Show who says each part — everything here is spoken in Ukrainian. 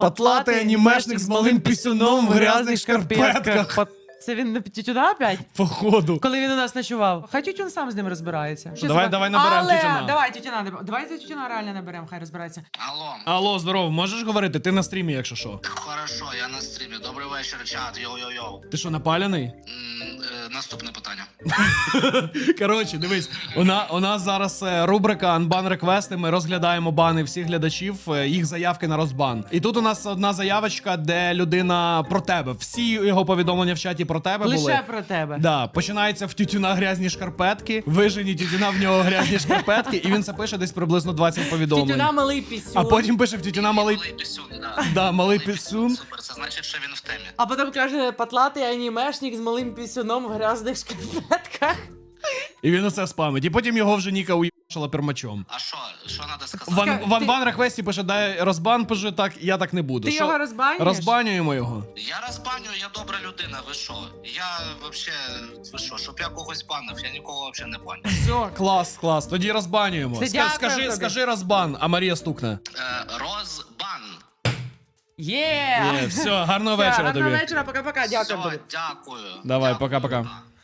Speaker 1: Потлатий анімешник з малим пісюном в грязних шкарпетках.
Speaker 2: Це він на тютюна опять?
Speaker 1: Походу.
Speaker 2: Коли він у нас ночував. Хай тютюн сам з ним розбирається. Що
Speaker 1: Давай,
Speaker 2: це?
Speaker 1: давай наберемо
Speaker 2: Але...
Speaker 1: тютюна.
Speaker 2: Давайте тютюна реально наберемо, хай розбирається.
Speaker 3: Алло.
Speaker 1: Алло, здорово, можеш говорити? Ти на стрімі, якщо що.
Speaker 3: Хорошо, я на стрімі. Добрий вечір, чат. Йоу-йоу-йоу.
Speaker 1: Ти що, напаляний?
Speaker 3: Наступне питання.
Speaker 1: Коротше, дивись, у нас зараз рубрика Unban Request, ми розглядаємо бани всіх глядачів, їх заявки на розбан. І тут у нас одна заявочка, де людина про тебе. Всі його повідомлення в чаті про тебе були.
Speaker 2: Лише про тебе.
Speaker 1: Да, починається в тютюна грязні шкарпетки, вижені тютюна в нього грязні шкарпетки, і він це пише десь приблизно 20 повідомлень.
Speaker 2: Тютюна малий пісюн.
Speaker 1: А потім пише в тютюна малий...
Speaker 3: Малий пісюн, да.
Speaker 1: Да, малий пісюн.
Speaker 3: Супер, це значить, що він в темі.
Speaker 2: А потім каже, потлатий анімешник з малим пісюном в грязних шкарпетках.
Speaker 1: І він оце спамить. І потім його вже Ніка уїбашила пермачом.
Speaker 3: А що треба сказати?
Speaker 1: В Unban Request пише, дай розбан, пише, так, я так не буду.
Speaker 2: Ти
Speaker 1: Що?
Speaker 2: його розбанюєш?
Speaker 1: Розбанюємо його.
Speaker 3: Я розбаню, я добра людина, ви що? Я вообще, ви що, щоб я когось банив, я нікого вообще не баню.
Speaker 2: Все.
Speaker 1: Клас, клас, тоді розбанюємо.
Speaker 2: Все, дякую тобі.
Speaker 1: Скажи розбан, а Марія стукне.
Speaker 3: Розбан.
Speaker 2: Є!
Speaker 1: Все, гарного вечора тобі.
Speaker 2: Гарного вечора, пока-пока, дякую
Speaker 3: Все,
Speaker 2: тобі.
Speaker 3: дякую.
Speaker 1: Давай,
Speaker 3: Дякую.
Speaker 1: пока-пока.